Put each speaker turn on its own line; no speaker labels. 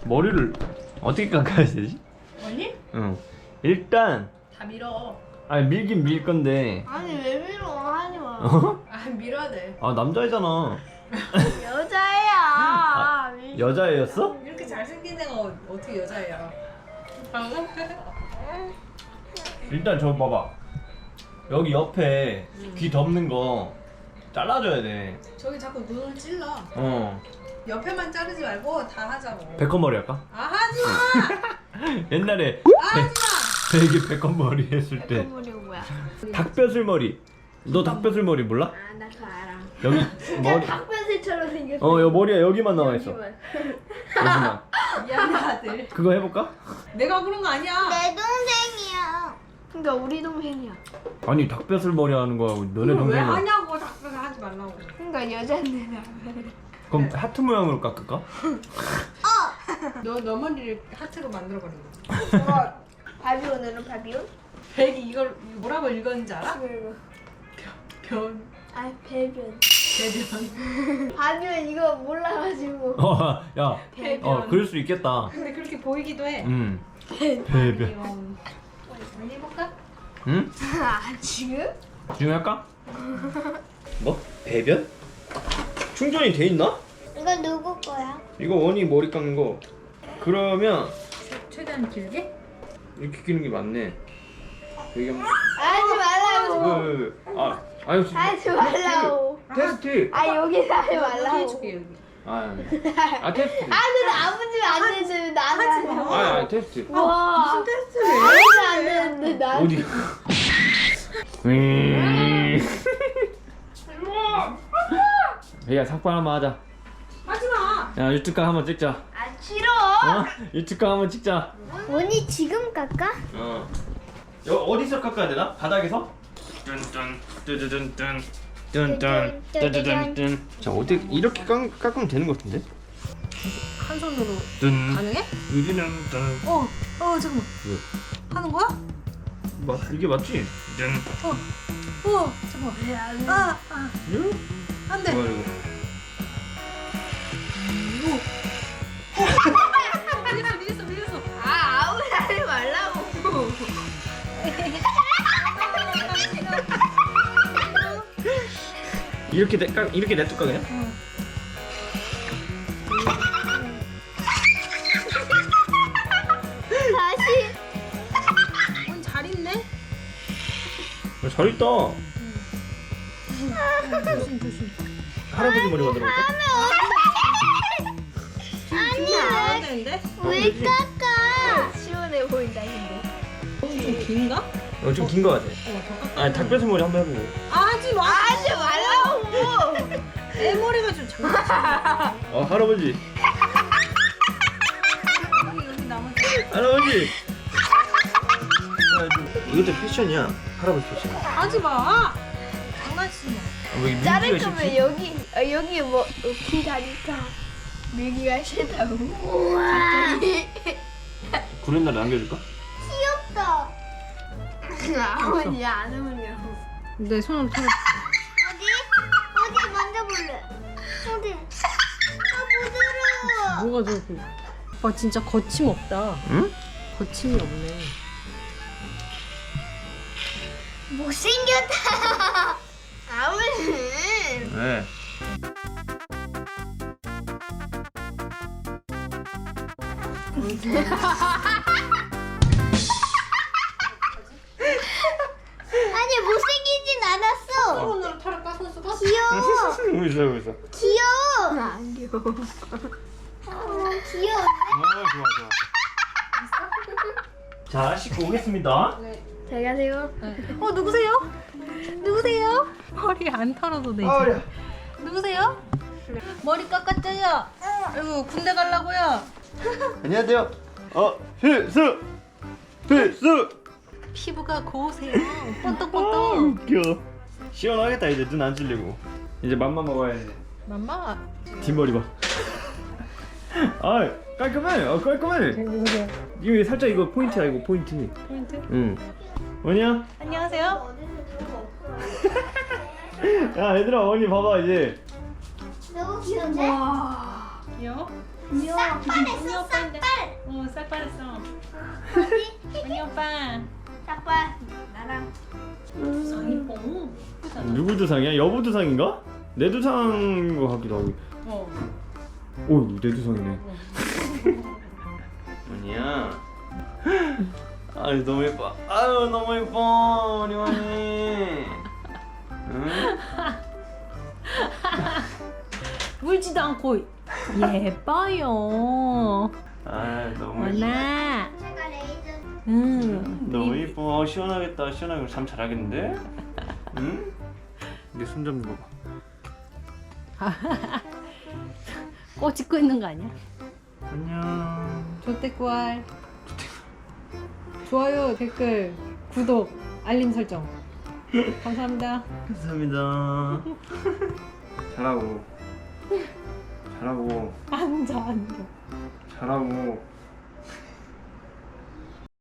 머리를 어떻게 깎아야 되지?
언니?
응. 일단
다 밀어.
아니 밀긴 밀 건데.
아니 왜 밀어? 하지 마.
어?
아 밀어야 돼.
아 남자애잖아.
여자야.
여자애였어?
이렇게 잘생긴 애가 어떻게 여자애야?
일단 저 봐봐. 여기 옆에 귀 덮는 거 잘라줘야 돼.
저기 자꾸 눈을 찔러.
어.
옆에만 자르지 말고 다 하자고.
백건머리 할까?
아 하지마.
옛날에
하지마.
되게 백건머리 했을 때.
머리 뭐야?
닭뼈슬머리. 너 닭뼈슬머리 몰라?
아, 나 그거 알아.
여기
머리.
머리.
닭변새처럼 생겼어.
여 머리가 여기만 나와 있어.
여기만.
여기만.
미안해 아들.
그거 해볼까?
내가 그런 거 아니야.
내 동생이야. 그러니까 우리 동생이야.
아니 닭뼈슬머리 하는 거하고 너네
왜
동생은.
하냐고 자꾸 하지 말라고.
그러니까 여자인데.
그럼 하트 모양으로 깎을까?
너 머리를 하트로 만들어 버린 거야.
바비온으로 바비온?
백이 이걸 뭐라고 읽었는지 알아?
이거.
변
아 배변.
배변.
바비온 이거 몰라가지고.
야.
배변.
그럴 수 있겠다.
근데 그렇게 보이기도 해.
배변.
배변. 언니 해볼까?
응?
아 지금?
지금 할까? 뭐? 배변? 충전이 돼 있나?
이거 누구 거야?
이거 원이 머리 깎는 거. 그러면
최대한 길게?
이렇게 끼는 게 맞네. 여기 한번.
하지 말라고.
아유
하지 말라고.
테스트.
아 여기서 하지
여기
말라고.
해줄게 여기.
테스트.
아 근데 아버지는 안 되는데 나는
하지 마.
아니 테스트.
와.
무슨 테스트를
아버지는 안 되는데 나는.
어디? 야 삭발 한번 하자.
하지 마.
야 유튜브 한번 찍자.
아 싫어.
어? 유튜브 한번 찍자.
원이 지금 깎아?
어. 어디서 깎아야 되나? 바닥에서? 뚠뚠 뚜두둔뚠 뚠뚠 뚜두둔뚠. 자 어떻게 이렇게 깎으면 되는 것 같은데?
한 손으로
뚠
가능해?
여기는 뚠.
잠깐만.
왜?
하는 거야?
이게 맞지? 뚠.
잠깐만.
응?
안 돼.
뭐야 이거?
밀렸어.
아 아무리 하지 말라고.
이렇게 냅둘까 그냥?
다시.
잘 있네.
잘 있다.
조심.
할아버지 머리 만들어 볼까?
안 되는데?
왜 깎아? 시원해 보인다 근데.
좀 긴가?
좀 긴 거 같아.
더 깎아.
아니 닭뼈슬 머리 한번 해보고.
하지 마.
하지 말라고.
내 머리가 좀 장난치네.
할아버지.
여기 남은.
할아버지. 이것도 패션이야. 할아버지 패션.
하지 마. 장난치지 마.
왜
자를 거면 여기 뭐 귀 다니까 밀기가 싫다고. 우와.
구렛나루 남겨줄까?
귀엽다. 아버지 안 어울려.
내 손으로 털어.
어디 만져볼래? 어디? 아 부드러워.
뭐가 저렇게? 오빠 진짜 거침없다.
응?
거침이 없네.
못생겼다. 아버지.
네.
아니 못생기진 않았어.
손으로 털어 까서 쓰고.
귀여워.
있어.
귀여워. 안 귀여워. 귀여워.
좋아. 자, 씻고 오겠습니다.
잘 가세요.
누구세요? 누구세요? 머리 안 털어도 되지. 누구세요? 머리 깎았죠요? 아이고 군대 가려고요?
안녕하세요. 필수.
피부가 고우세요. 뽀떡뽀떡.
웃겨. 시원하겠다 이제 눈 안 찔리고. 이제 맘만 먹어야지.
맘마.
뒷머리 봐. 깔끔해. 깔끔해. 이거 살짝 이거 포인트야 이거 포인트.
포인트?
응. 뭐냐?
안녕하세요.
야 얘들아 언니 봐봐 이제.
너무 귀여운데?
귀여워?
싹발했어 싹발.
어, 싹발했어.
어디?
언니 오빠.
싹발. 나랑.
두상이 뽕. 예쁘잖아.
누구 두상이야? 여보 두상인가? 내 두상인 것 같기도 하고.
어.
오, 내 두상이네. 언니야. 아유 너무 예뻐. 아유 너무 예뻐 우리 언니. 응?
물지도 않고 예뻐요.
아 너무 예뻐.
원아.
제가 레이저.
응.
너무 예뻐. 시원하겠다. 시원하게 잠 잘하겠는데? 응? 내 손 좀 봐봐.
꽃 찍고 있는 거 아니야?
안녕.
조태꾸알. 좋아요, 댓글, 구독, 알림 설정. 감사합니다.
감사합니다. 잘하고. 잘하고.
앉아.
잘하고.